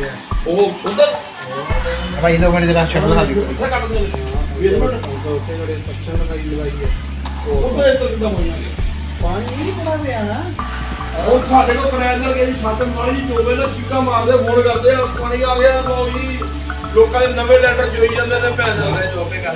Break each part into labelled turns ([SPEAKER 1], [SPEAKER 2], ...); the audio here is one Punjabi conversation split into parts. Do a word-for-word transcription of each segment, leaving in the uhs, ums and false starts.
[SPEAKER 1] ਉਹ ਉਧਰ
[SPEAKER 2] ਭਾਈ ਦੋ ਮਿੰਟ ਜਰਾ ਛੱਡ ਲਾ ਦੀ
[SPEAKER 1] ਉੱਥੇ ਕੱਟ ਦੇ ਵੀਹ ਮਿੰਟ ਉੱਥੇ ਜਿਹੜੇ ਸੈਕਸ਼ਨ ਲਗਾਈ ਲਗਾਈ ਹੈ ਉਹਦੇ ਤੋਂ ਕਿਦਾਂ ਹੋਈਆਂ
[SPEAKER 3] ਪਾਣੀ ਨਹੀਂ ਪੜਾ ਪਿਆ ਨਾ
[SPEAKER 1] ਉਹ ਸਾਡੇ ਕੋਲ ਪ੍ਰੈਸ਼ਰ ਕੇ ਦੀ ਛੱਤ ਮਾਰੀ ਚੋਵੇ ਨਾ ਚੀਕਾ ਮਾਰਦੇ ਫੋਨ ਕਰਦੇ ਆ ਪਾਣੀ ਆ ਗਿਆ ਬਾਉ ਜੀ ਲੋਕਾਂ ਦੇ ਨਵੇਂ ਲੈਟਰ ਜੋਈ ਜਾਂਦੇ ਨੇ ਪੈਸੇ ਦੇ ਚੋਪੇ ਕਰ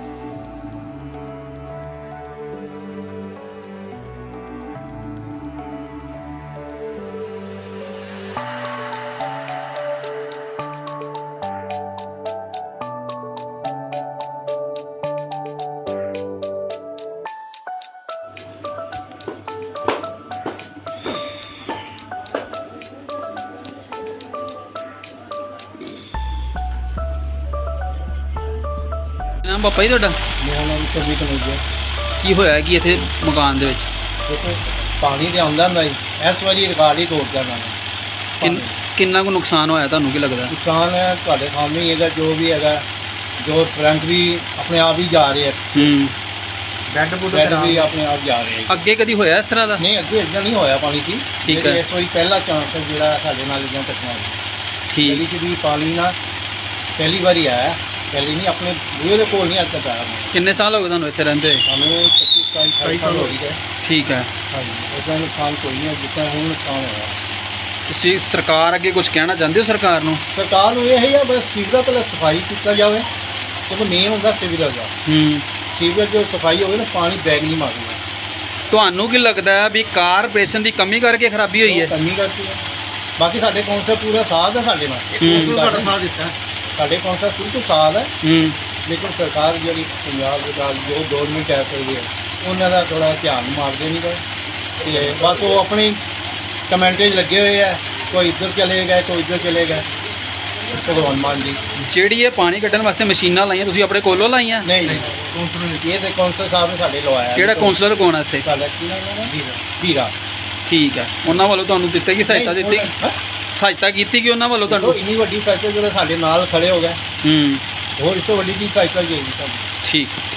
[SPEAKER 4] ਨਾਮ ਪਾਪਾ ਜੀ ਤੁਹਾਡਾ?
[SPEAKER 2] ਮੇਰਾ ਨਾਮ ਕਵੀ ਕਨੇਜਾ।
[SPEAKER 4] ਕੀ ਹੋਇਆ ਕਿ ਇੱਥੇ ਮਕਾਨ ਦੇ ਵਿੱਚ
[SPEAKER 2] ਦੇਖੋ ਪਾਣੀ ਤੇ ਆਉਂਦਾ ਹੁੰਦਾ ਜੀ, ਇਸ ਵਾਰੀ ਰਿਕਾਰਡ ਹੀ ਤੋੜ ਜਾਣਾ
[SPEAKER 4] ਕਿੰਨ- ਕਿੰਨਾ ਕੁ ਨੁਕਸਾਨ ਹੋਇਆ ਤੁਹਾਨੂੰ ਕੀ ਲੱਗਦਾ?
[SPEAKER 2] ਨੁਕਸਾਨ ਹੈ ਤੁਹਾਡੇ ਸਾਹਮਣੇ ਹੀ ਹੈਗਾ, ਜੋ ਵੀ ਹੈਗਾ, ਜੋ ਕਰੰਟ ਵੀ ਆਪਣੇ ਆਪ ਹੀ ਜਾ ਰਹੇ ਆ,
[SPEAKER 4] ਹੂੰ
[SPEAKER 2] ਬੈੱਡ ਬੁੱਡ ਵੀ ਆਪਣੇ ਆਪ ਜਾ ਰਹੇ ਆ।
[SPEAKER 4] ਅੱਗੇ ਕਦੀ ਹੋਇਆ ਇਸ ਤਰ੍ਹਾਂ ਦਾ?
[SPEAKER 2] ਨਹੀਂ ਅੱਗੇ ਇਦਾਂ ਨਹੀਂ ਹੋਇਆ ਪਾਣੀ ਦੀ।
[SPEAKER 4] ਠੀਕ ਹੈ।
[SPEAKER 2] ਇਸ ਵਾਰੀ ਪਹਿਲਾ ਚਾਂਸ ਹੈ ਜਿਹੜਾ ਸਾਡੇ ਨਾਲ ਇਦਾਂ ਘਟਨਾ ਹੋਈ।
[SPEAKER 4] ਠੀਕ
[SPEAKER 2] ਪਹਿਲੀ ਚ ਵੀ ਪਾਣੀ ਨਾ ਪਹਿਲੀ ਵਾਰੀ ਆਇਆ, ਪਹਿਲੀ ਨਹੀਂ ਆਪਣੇ ਬੂਹੇ ਦੇ ਕੋਲ ਨਹੀਂ ਅੱਜ ਤੱਕ ਆਇਆ।
[SPEAKER 4] ਕਿੰਨੇ ਸਾਲ ਹੋ ਗਏ ਤੁਹਾਨੂੰ ਇੱਥੇ ਰਹਿੰਦੇ?
[SPEAKER 2] ਸਾਨੂੰ ਪੱਚੀ ਸਤਾਈ ਅਠਾਈ ਸਾਲ ਹੋ ਗਏ।
[SPEAKER 4] ਠੀਕ ਹੈ।
[SPEAKER 2] ਹਾਂਜੀ ਇਦਾਂ ਨੁਕਸਾਨ ਕੋਈ ਨਹੀਂ ਹੈ ਜਿੱਦਾਂ ਹੁਣ ਨੁਕਸਾਨ ਹੋਇਆ।
[SPEAKER 4] ਤੁਸੀਂ ਸਰਕਾਰ ਅੱਗੇ ਕੁਝ ਕਹਿਣਾ ਚਾਹੁੰਦੇ ਹੋ ਸਰਕਾਰ ਨੂੰ?
[SPEAKER 2] ਸਰਕਾਰ ਨੂੰ ਇਹ ਹੀ ਆ ਬਸ ਸੀਵਰੇਜ ਪਹਿਲਾਂ ਸਫਾਈ ਕੀਤਾ ਜਾਵੇ, ਕਿਉਂਕਿ ਮੇਨ ਹੁੰਦਾ ਸੀਵਰੇਜ ਦਾ।
[SPEAKER 4] ਹੂੰ
[SPEAKER 2] ਸੀਵਰੇਜ ਜੋ ਸਫਾਈ ਹੋਵੇ ਨਾ ਪਾਣੀ ਬੈਗ ਨਹੀਂ ਮਾਰਦਾ।
[SPEAKER 4] ਤੁਹਾਨੂੰ ਕੀ ਲੱਗਦਾ ਹੈ ਵੀ ਕਾਰਪੋਰੇਸ਼ਨ ਦੀ ਕਮੀ ਕਰਕੇ ਖਰਾਬੀ ਹੋਈ ਹੈ?
[SPEAKER 2] ਕਮੀ ਕਰਦੀ ਹੈ। ਬਾਕੀ ਸਾਡੇ ਕੌਂਸਲ ਪੂਰਾ ਸਾਥ ਹੈ ਸਾਡੇ ਨਾਲ।
[SPEAKER 4] ਹੂੰ।
[SPEAKER 2] ਤੁਹਾਡਾ ਸਾਥ ਦਿੱਤਾ ਸਾਡੇ ਕੌਂਸਲ ਸ਼ੁਰੂ ਤੋਂ ਸਾਥ ਹੈ,
[SPEAKER 4] ਹੂੰ
[SPEAKER 2] ਲੇਕਿਨ ਸਰਕਾਰ ਜਿਹੜੀ ਪੰਜਾਬ ਸਰਕਾਰ ਜੋ ਗੌਰਮੈਂਟ ਕਹਿ ਸਕਦੀ ਹੈ ਉਹਨਾਂ ਦਾ ਥੋੜਾ ਧਿਆਨ ਮਾਰਦੇ ਨਹੀਂ ਗਏ ਤੇ ਬਸ ਉਹ ਆਪਣੀ ਕਮੈਂਟੇਜ ਲੱਗੇ ਹੋਏ ਆ, ਕੋਈ ਇੱਧਰ ਚਲੇ ਗਏ ਕੋਈ ਇੱਧਰ ਚਲੇ ਗਏ। ਭਗਵਾਨ ਮਾਨ ਜੀ
[SPEAKER 4] ਜਿਹੜੀ ਇਹ ਪਾਣੀ ਕੱਢਣ ਵਾਸਤੇ ਮਸ਼ੀਨਾਂ ਲਾਈਆਂ ਤੁਸੀਂ ਆਪਣੇ ਕੋਲੋਂ ਲਾਈਆਂ?
[SPEAKER 2] ਨਹੀਂ ਨਹੀਂ ਕੌਂਸਲਰ ਇਹ ਤੇ ਕੌਂਸਲਰ ਸਾਹਿਬ ਨੇ ਸਾਡੇ ਲਵਾਇਆ।
[SPEAKER 4] ਕਿਹੜਾ ਕਾਉਂਸਲਰ ਕੋਣ ਹੈ ਇੱਥੇ?
[SPEAKER 2] ਸਾਡਾ ਕੀ ਨਾਮ ਹੈ? ਵੀਰਾ ਵੀਰਾ
[SPEAKER 4] ਠੀਕ ਹੈ। ਉਹਨਾਂ ਵੱਲੋਂ ਤੁਹਾਨੂੰ ਦਿੱਤੇ ਕੀ ਸਹਾਇਤਾ ਦਿੱਤੀ?
[SPEAKER 2] ਹੈਂ?
[SPEAKER 4] ਸਹਾਇਤਾ ਕੀਤੀ ਕਿ ਉਹਨਾਂ ਵੱਲੋਂ
[SPEAKER 2] ਦੇਖੋ
[SPEAKER 4] ਤੁਹਾਨੂੰ?
[SPEAKER 2] ਇੰਨੀ ਵੱਡੀ ਫੈਕਟਰੀ ਜਿਹੜੇ ਸਾਡੇ ਨਾਲ ਖੜੇ ਹੋ ਗਏ,
[SPEAKER 4] ਹੂੰ
[SPEAKER 2] ਹੋਰ ਇਸ ਤੋਂ ਵੱਡੀ ਕੀ ਸਹਾਇਤਾ ਚਾਹੀਦੀ ਸਾਨੂੰ?
[SPEAKER 4] ਠੀਕ